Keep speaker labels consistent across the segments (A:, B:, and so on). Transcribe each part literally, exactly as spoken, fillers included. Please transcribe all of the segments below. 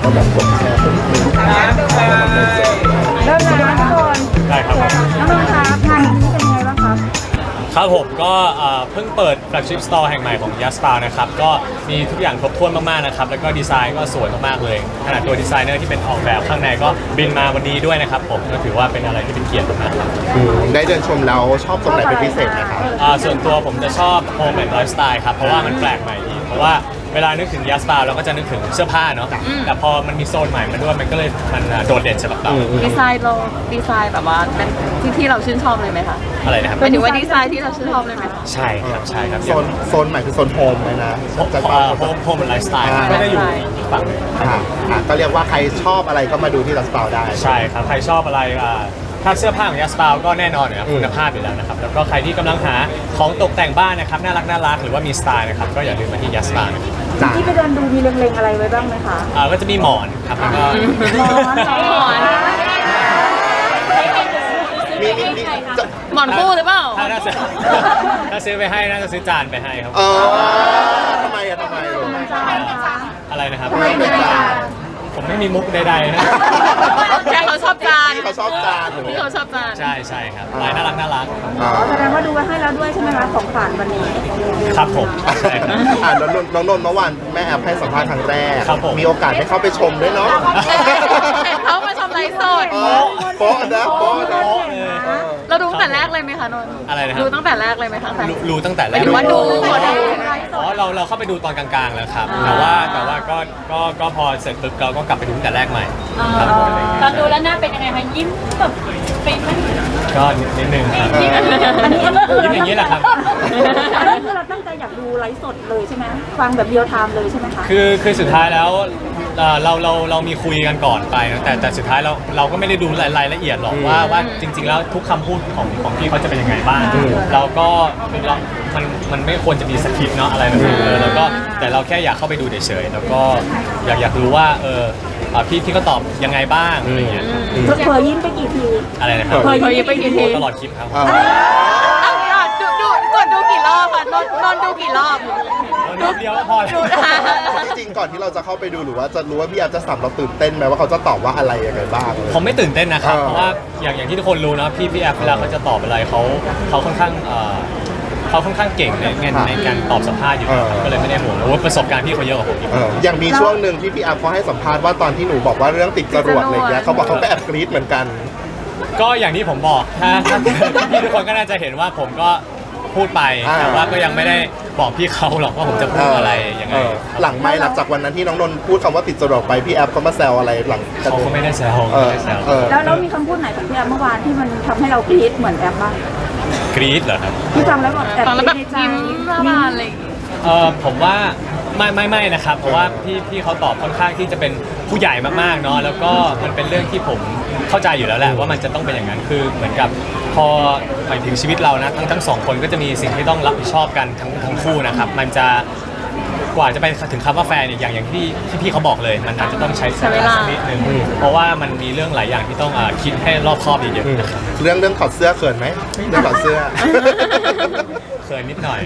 A: ก็แบบกดแชร์กดลิงก์
B: เริ่มแล้วทุกคน
C: ได้ครับ
B: น้องๆครับงานนี้เป็นยังไงบ้างครับ
C: ครับผมก็เพิ่งเปิด flagship store แห่งใหม่ของ Yaspa นะครับก็มีทุกอย่างครบถ้วนมากๆนะครับแล้วก็ดีไซน์ก็สวยมากๆเลยขนาดตัวดีไซเนอร์ที่เป็นออกแบบข้างในก็บินมาวันนี้ด้วยนะครับผมก็ถือว่าเป็นอะไรที่เป็นเกียรติมากๆครับ
A: ได้เดินชมแล้วชอบตรงไหนเป็นพิเศษนะครับ
C: ส่วนตัวผมจะชอบ home and lifestyle ครับเพราะว่ามันแปลกใหม่ดีเพราะว่าเวลานึกถึง Yaspa เราก็จะนึกถึงเสื้อผ้าเนาะแต่พอมันมีโซนใหม่มาด้วยมันก็เลยมันโดดเด่นสำหรับเรา
D: ดีไซน์เราดีไซน์แบบว่าเป็นที่ที่เราชื่นชอบเลยไหมคะ
C: อะไรนะครับ
D: หมายถึงว่าดีไซน์ที่เราชื่นชอบเลยไหม
C: ใช่ครับใช่ครับ
A: โซนโซนใหม่คือโซนโฮมเลยนะ
C: จะโฮมโฮมเป็นไลฟ์สไตล์ไม่ได้อยู่อีกฝั่งนึง
A: ก็เรียกว่าใครชอบอะไรก็มาดูที่ Yaspa ได้
C: ใช่ครับใครชอบอะไรถ้าเสื้อผ้าของ Yaspa ก็แน่นอนนะครับคุณภาพอยู่แล้วนะครับแล้วก็ใครที่กำลังหาของตกแต่งบ้านนะครับน่ารักน่ารักหรือว่ามีสไตล์นะครับก็อย่าลืมมาที่ Yaspa นะครับ
B: ที่ไปเดินดูมีเล็งๆอะไรไว้บ้างไหมคะ
C: อ่าก็จะมีหมอนครับแล้วก็
B: หมอนหมอน
A: มีมีมี
D: หมอนคู่หรือเปล่า
C: ถ้าซื้อถ้าซื้อไปให้น่าจะซื้อจานไปให้ครับ
A: เออทำไมอะทำไม
C: อะไรนะครับ
A: ทำไมเป็นจาน
C: ผมไม่มีมุกใดๆนะ
D: แค่เขาชอบจาน
A: เขาชอบจาน
D: ที่เขาชอบจาน
C: ใช่ใช่ครับลายน่ารักน่ารัก
B: แสดงว่าดูไว้ให้แล้วด้วยใช่ไหมคะของขวัญวันนี้
C: ครับผมใช่ครับ
A: อ่าน้องนนท์น้องนนท์เมื่อวานแม่แอบให้สัมภาษณ์ครั้งแรก
C: ครับผม
A: มีโอกาสได้เข้าไปชมด้วยเนาะ
D: เขามาชมไลฟ์สด
A: โป๊ะนะโป๊ะนะ
D: เราดูตั้งแต่แรกเลยไหมคะนนท์
C: อะไรนะ
D: ดูตั้งแต่แรกเลยไหมคะ
C: ดูตั้งแต่แรก
D: หรือว่าดู
C: อ๋อเราเราเข้าไปดูตอนกลางๆแล้วครับแต่ว่าแต่ว่าก็ก็ก็พอเสร็จปุ๊บเราก็กลับไปดูตั้งแต่แรกใหม่
E: ตอนดูแล้วหน้าเป็นยังไงคะยิ้มแบบเป็นไหม
C: ก็นิดนึงครับ
B: อันนี้อันนี้
C: ยิ้มอย่างนี้แหละครับ
B: อันนี้คือเราตั้งใจอยากดูไลฟ์สดเลยใช่ไหมฟังแบบเรียลไทม์เลยใช่ไหมคะ
C: คือคือสุดท้ายแล้วเราเราเรามีคุยกันก่อนไปนะแต่แต่สุดท้ายเราเราก็ไม่ได้ดูรายละเอียดหรอกว่าว่าจริงๆแล้วทุกคำพูดของของพี่เขาจะเป็นยังไงบ้างเราก็เรามันมันไม่ควรจะมีสคริปต์เนาะอะไรแบบนี้เลยแล้วก็แต่เราแค่อยากเข้าไปดูเฉยๆแล้วก็อยากอยากรู้ว่าเออพี่พี่ก็ตอบยังไงบ้างอะไรเงี้ย
B: เผยยิ้มไปกี่ที
C: อะไรนะครับ
D: เผยยิ้มไปกี่ที
C: ตลอดคลิปครับ
D: ดูดูกดดูกี่รอบค่ะนนนนดูกี่รอบ
C: ดูเดียวพอแล้ว
A: จริงๆก่อนที่เราจะเข้าไปดูหรือว่าจะรู้ว่าพี่แอฟจะสัมเราตื่นเต้นไหมว่าเขาจะตอบว่าอะไรยังไงบ้าง
C: ผมไม่ตื่นเต้นนะครับเพราะว่าอย่างอย่างที่ทุกคนรู้นะพี่พี่แอฟเวลาเขาจะตอบอะไรเขาเขาค่อนข้างเขาค่อนข้างเก่งในในการตอบสัมภาษณ์อยู่ก็เลยไม่ได้ห่วงว่าประสบการณ์พี่เขาเยอะกว่าผม
A: อย่างมีช่วงหนึ่งที่พี่แอฟเขาให้สัมภาษณ์ว่าตอนที่หนูบอกว่าเรื่องติดจรวดอะไรเงี้ยเขาบอกเขาก็แอบกรี๊ดเหมือนกัน
C: ก็อย่างที่ผมบอกถ้าพี่ทุกคนก็น่าจะเห็นว่าผมก็พูดไปแต่ว่าก็ยังไม่ได้บอกพี่เขาหรอกว่าผมจะพูดอะไรยังไง
A: หลังไม่หลังจากวันนั้นที่น้องนนท์พูดคำว่าติดจรวดไปพี่แอฟเขามาแซวอะไรหลัง
C: เขาไม่ได้แซว
B: แล้วแล้วมีคำพูดไหนของพี่แอฟเมื่อวานที่มันทำให้เรากรี๊ดเหมือนแอฟบ้าง
C: กรี๊ดเหรอครับ
B: ที่ฟังแล้วแบบแอบ
D: ฟังแล้วแบบยิ้มบ้านอะไร
C: เออผมว่าไม่ไม่ไม่นะครับเพราะว่าพี่พี่เขาตอบค่อนข้างที่จะเป็นผู้ใหญ่มากๆเนาะแล้วก็มันเป็นเรื่องที่ผมเข้าใจอยู่แล้วแหละว่ามันจะต้องเป็นอย่างนั้นคือเหมือนกับพอหมายถึงชีวิตเรานะทั้งทั้งสองคนก็จะมีสิ่งที่ต้องรับผิดชอบกันทั้งทั้งคู่นะครับมันจะกว่าจะไปถึงคำว่าแฟนอย่างอย่างที่ที่พี่เขาบอกเลยมันอาจจะต้องใช้เวลาสักนิดนึงเพราะว่ามันมีเรื่องหลายอย่างที่ต้องคิดให้รอบคอบเยอะๆนะครับ
A: เรื่องเรื่องถอดเสื้อเขินไหมเรื่องถอดเสื้อ
C: เขินนิดหน่อย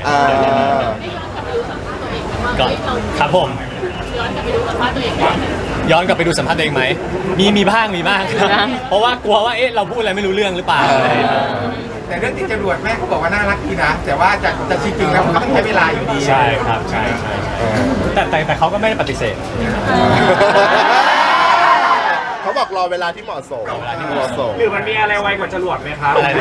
C: ก็ครับผมย้อนกลับไปดูสัมภาษณ์ตัวเองไหมมีมีบ้างมีบ้างครับเพราะว่ากลัวว่าเอ๊ะเราพูดอะไรไม่รู้เรื่องหรือเปล่า
F: แต่เรื่องติดจรวดแม่เขาบอกว่าน่ารักดีนะแต่ว่าจะจะจริงๆแล้วมันต้องใช้เวลาอยู่ดี
C: ใช่ครับใช่ใช่แต่แต่แต่เขาก็ไม่ได้ปฏิเสธ
A: เขาบอกรอเวลาที่เหมาะสม
C: เวลาที่เหมาะสม
F: หรือมันมีอะไรไวกว่าจรวดไหมครับ
C: อะไร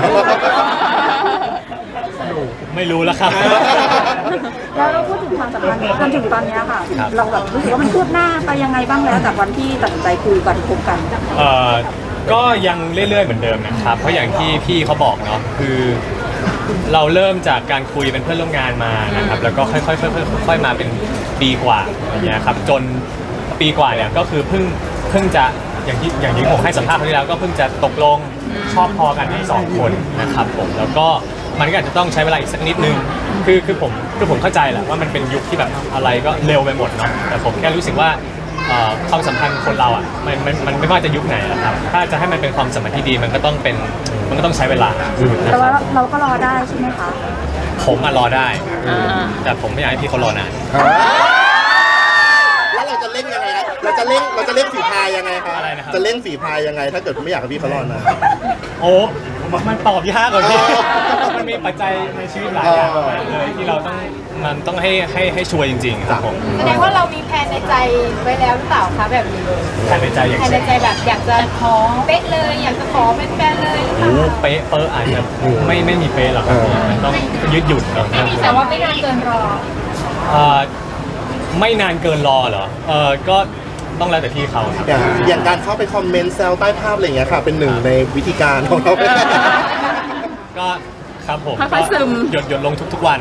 C: ไม่รู้แล้วครับ
B: แล้วเราพูดถึงความสัมพันธ์จนถึงตอนนี้ค่ะเราแบบรู้สึกว่ามันคืบหน้าไปยังไงบ้างแล้วจากวันที่ตัดสินใจคุยกันคบกัน
C: เอ่อก็ยังเรื่อยๆเหมือนเดิมนะครับเพราะอย่างที่พี่เขาบอกเนาะคือเราเริ่มจากการคุยเป็นเพื่อนร่วมงานมานะครับแล้วก็ค่อยๆค่อยๆมาเป็นปีกว่าอย่างเงี้ยครับจนปีกว่าเนี่ยก็คือเพิ่งเพิ่งจะอย่างที่อย่างที่ผมให้สัมภาษณ์ครั้งที่แล้วก็เพิ่งจะตกลงชอบพอกันทั้งสองคนนะครับผมแล้วก็มันก็อาจจะต้องใช้เวลาอีกสักนิดนึงคือคือผมคือผมเข้าใจแหละว่ามันเป็นยุคที่แบบอะไรก็เร็วไปหมดเนาะแต่ผมแค่รู้สึกว่าความสัมพันธ์คนเราอ่ะมันมันมันไม่ว่าจะยุคไหนนะครับถ้าจะให้มันเป็นความสัมพันธ์ที่ดีมันก็ต้องเป็นมันก็ต้องใช้เวลา
B: แต่ว่าเราก็รอได้ใช่ไหมคะ
C: ผมมารอได้แต่ผมไม่อยากให้พี่เขารอนาน
A: แล้วเราจะเล่นยังไงนะเราจะเล่งเราจะเล่งฝีพายยังไงคะ
C: อะไรนะครับ
A: จะเล่งฝีพายยังไง ถ้าเกิดไม่อยากให้พี่เขารอดนะ
C: โอ้มันตอบยากกว่าพี่
A: อ๋อ
C: มันมีปัจจัยในชีวิตหลายอย่างมากเลยที่เราต้องมันต้องให้ให้ให้ชัวร์จริงๆครับผม
D: แสดงว่าเรามีแผนในใจไว้แล้วหรือเปล่าคะแบบนี้
C: ภายในใจอย่าง
D: แผนใน
C: เช่น
D: ใจแบบอยากจะขอเป๊ะเลย อยากจะขอเป็นแฟนเลยหรือเป
C: โอ้
D: ล่า
C: เป๊ะเป๊ะอาจจะไม่ไม่มีเป๊ะหรอกครับพี่มันต้องยืดหยุ่นเนาะ
D: แต่ว่าไม่นานเกินรอ
C: เอ่อไม่นานเกินรอเหรอเออก็ต้องแล้วแต่พี่เขาครับ
A: อย่างอย่างการเข้าไปคอมเมนต์แซวใต้ภาพอะไรอย่างเงี้ยค่ะ เป็นหนึ่งในวิธีการของเรา
C: ก็ครับผม
B: ค่อยๆซึม
C: หยดหยดลงทุกๆวัน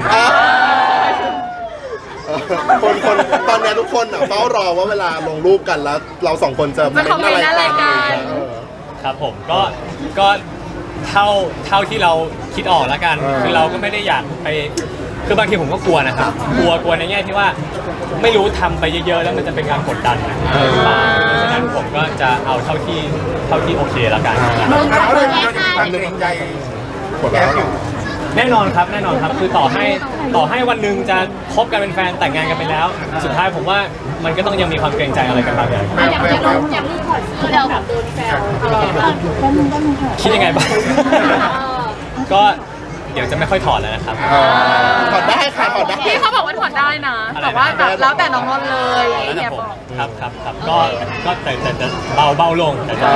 A: คนคนตอนเนี้ยทุกคนอ่ะเฝ้ารอว่าเวลาลงรูปกันแล้ว เราสองคนจะเม้นอะไรกันอะไรอย่างเงี้ยเออ
C: ครับผมก็ก็เท่าเท่าที่เราคิดออกแล้วกัน
A: เออ
C: คือเราก็ไม่ได้อยากไปคือบางทีผมก็กลัวนะครับ กลัวกลัวในแง่ที่ว่าไม่รู้ทำไปเยอะๆแล้วมันจะเป็นการกดดันนะหรือเปล่าเพราะฉะนั้นผมก็จะเอาเท่าที่เท่าที่โอเคแล้วกัน
F: เราเลยเราจะมีความเกรงใจ
A: หมดแล้ว
C: แน่นอนครับแน่นอนครับคือต่อให้ต่อให้วันหนึ่งจะคบกันเป็นแฟนแต่งงานกันไปแล้ว สุดท้ายผมว่ามันก็ต้องยังมีความเกรงใจอะไรกันบางอย่าง
F: แววแววแวว
D: อย่างที่ขอซื้อเราแบบโดนแซว
C: คิดยังไงบ้าง ก็เดี๋ยวจะไม่ค่อยถอดแล้วนะครับ
A: เออถอดได้ค่ะถอดได้
B: พี่เขาบอกว่าถอดได้นะ
C: อะไรนะ
B: แต่ว่าแบบแล้วแต่น้องนนท์เลย
C: แล้ว
B: เนี่
C: แต่
B: ย
C: ผม
B: บอก
C: ครับครับครับก็ก็แต่แต่จะเบาเบาลงแต่จะ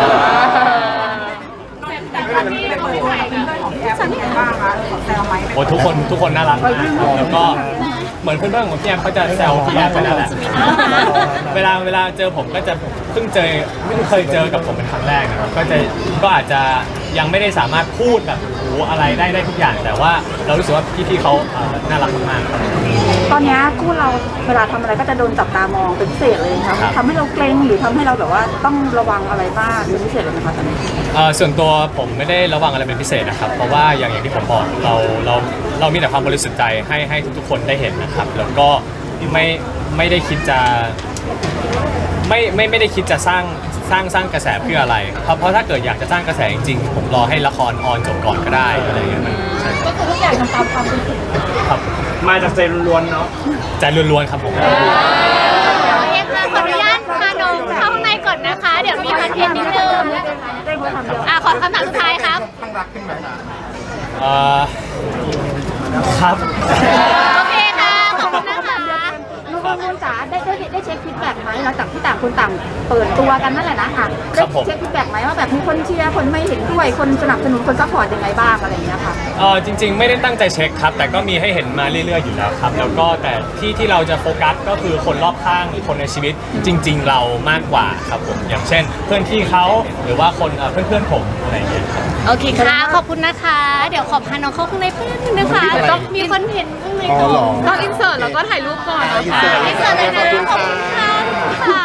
B: ฉันเห็นบ้างคะขอแซวไหม
C: โอ้ทุกคนทุกคนน่ารักมากครับแล้วก็เหมือนเพื่อนๆของพี่แอมเขาจะแซวพี่แอมไปแล้วแหละเวลาเวลาเจอผมก็จะเพิ่งเจอไม่เคยเจอกับผมเป็นครั้งแรกนะครับก็จะก็อาจจะยังไม่ได้สามารถพูดแบบโอ้อะไรได้ได้ทุกอย่าง แต่ว่าเรารู้สึกว่าพี่ๆเขาเอ่อน่ารักมากๆครับ
B: ตอนเนี้ยคู่เราเวลาทำอะไรก็จะโดนจับตามองเป็นพิเศษเลยค่ะ
C: ครับ
B: ทำให้เราเกรงหรือทำให้เราแบบว่าต้องระวังอะไรมากเป็นพิเศษเลยไหมคะตอนนี้
C: เอ่อส่วนตัวผมไม่ได้ระวังอะไรเป็นพิเศษนะครับ เพราะว่าอย่างอย่างที่ผมบอกเราเราเรามีแต่ความบริสุทธิ์ใจให้ให้ทุกๆคนได้เห็นนะครับ แล้วก็ไม่ไม่ได้คิดจะไม่ไม่ไม่ได้คิดจะสร้างสร้างสร้างกระแสเพื่ออะไรเพราะเพราะถ้าเกิดอยากจะสร้างกระแสจริงๆผมรอให้ละครออนจบก่อนก็ได้อะไรอย่างเงี้ยมันใช่
D: ก็คือทุกอย่างทำตามความรู้สึก
C: ครับ
G: มาจากใจล้วนๆเนาะ
C: ใจล้วนๆครับผม
D: โอเคค่ะขออนุญาตพาน้องเข้าข้างในก่อนนะคะ เดี๋ยวมีคอนเทนต์นิดนึงอ่ะขอคำถามสุดท้ายครับ
F: ข้างรักขึ้นไหมคะ
C: เอ่อครับ
D: โอเคค่ะ ขอบคุณนะคะ
B: นุ่นนุ่นจ๋าได้ได้ได้เช็คฟีดแบ็กไหมหลังจากที่ต่างคนต่างเปิดตัวกันนั่นแหละนะค่ะได้เช็คฟีดแบ็กไหมว่าแบบมีคนเชียร์คนไม่เห็นด้วยคนสนับสนุนคนซัพพอร์ตยังไงบ้างอะไรอย่างเงี้ยค่ะ
C: เออจริงๆ ไม่ได้ตั้งใจเช็คครับ แต่ก็มีให้เห็นมาเรื่อยๆอยู่แล้วครับ แล้วก็แต่ที่ที่เราจะโฟกัสก็คือคนรอบข้างคนในชีวิตจริง ๆ เรามากกว่าครับผมอย่างเช่น เพื่อนพี่เขาหรือว่าคนเอ่อเพื่อนๆผมอะไรอย่างเงี้ยครับ
D: โอเคค่ะ ขอบคุณนะคะ เดี๋ยวขอพาน้องเข้าข้างในเพื่อนงนะคะต้องมีคอนเทนต์ข้างใน
A: อ๋อ
D: ก่อน
A: เหรอ
B: ต้องอินเสิร์ตแล้วก็ถ่ายรูปก่อน
A: อ่าอินเสิร์ต
D: ไม่เกิดเลยนะ
A: ขอบคุณค่ะ
D: ค่ะ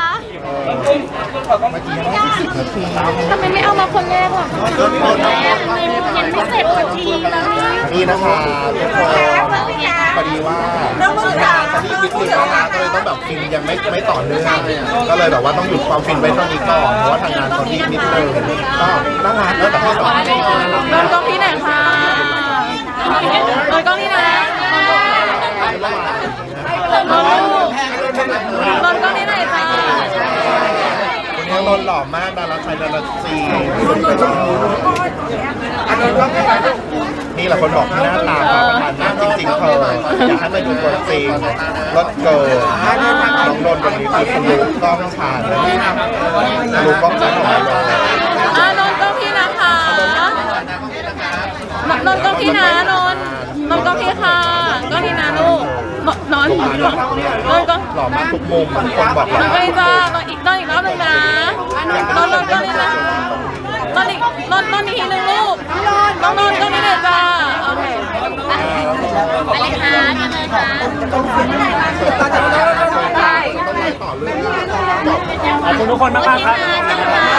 B: ทำไมไม่เอามาคนแรกล่ะ
D: ยังไม่เสร็จสักทีแล้วเนี่ย
A: นี่นะคะทุกคนพอดีว่าตอนนี้นิดนึงนะคะก็เลยต้องแบบฟินยังไม่ไม่ต่อเนื่องก็เลยแบบว่าต้องหยุดความฟินไว้เท่านี้ก่อนเพราะว่าทางงานเขารีบนิดนึงก็น่ารักแล้วแต่ที่สองน่ารัก
B: นนท์กล้องที่ไหนคะนนท์กล้องที่ไหนนนท์นนท์กล้องที่ไหนคะ
A: วันนี้นนท์หล่อมากดาราชายดาราซีนี่แหละคนบอกที่หน้าตาค่ะประธานหน้าจริงๆเธออยากให้มาดูตัวจริงรถเกิดน้องนนท์วันนี้คือคุณรู้กล้องชาญเลยรู้กล้องชาญของเรา
B: อ่านนท์กล้องพี่นะคะนนท์กล้องพี่นะนนท์นนท์กล้องพี่ค่ะกล้องพี่นะลูกนนท์นนท์กล้องนนท์กล้อง
A: หล่อมากทุกมุมทุกคนบอก
B: น
A: ว่าน
B: ท์กล้องนี่จ้านนท์อีกนนท์อีกรอบหนึงนะนนท์นนท์กล้องนี่นะนนท์อีกนนท์นนท์อีกทีหนึ่งลูกนนท์นนท์กล้องนี่เลยจ้าโอเค
D: ไปเลยค่ะมาเลยค่ะ
B: ได้
A: ต่อเรื่อง
C: ขอบคุณทุกคนมากๆครับ
D: ค่ะ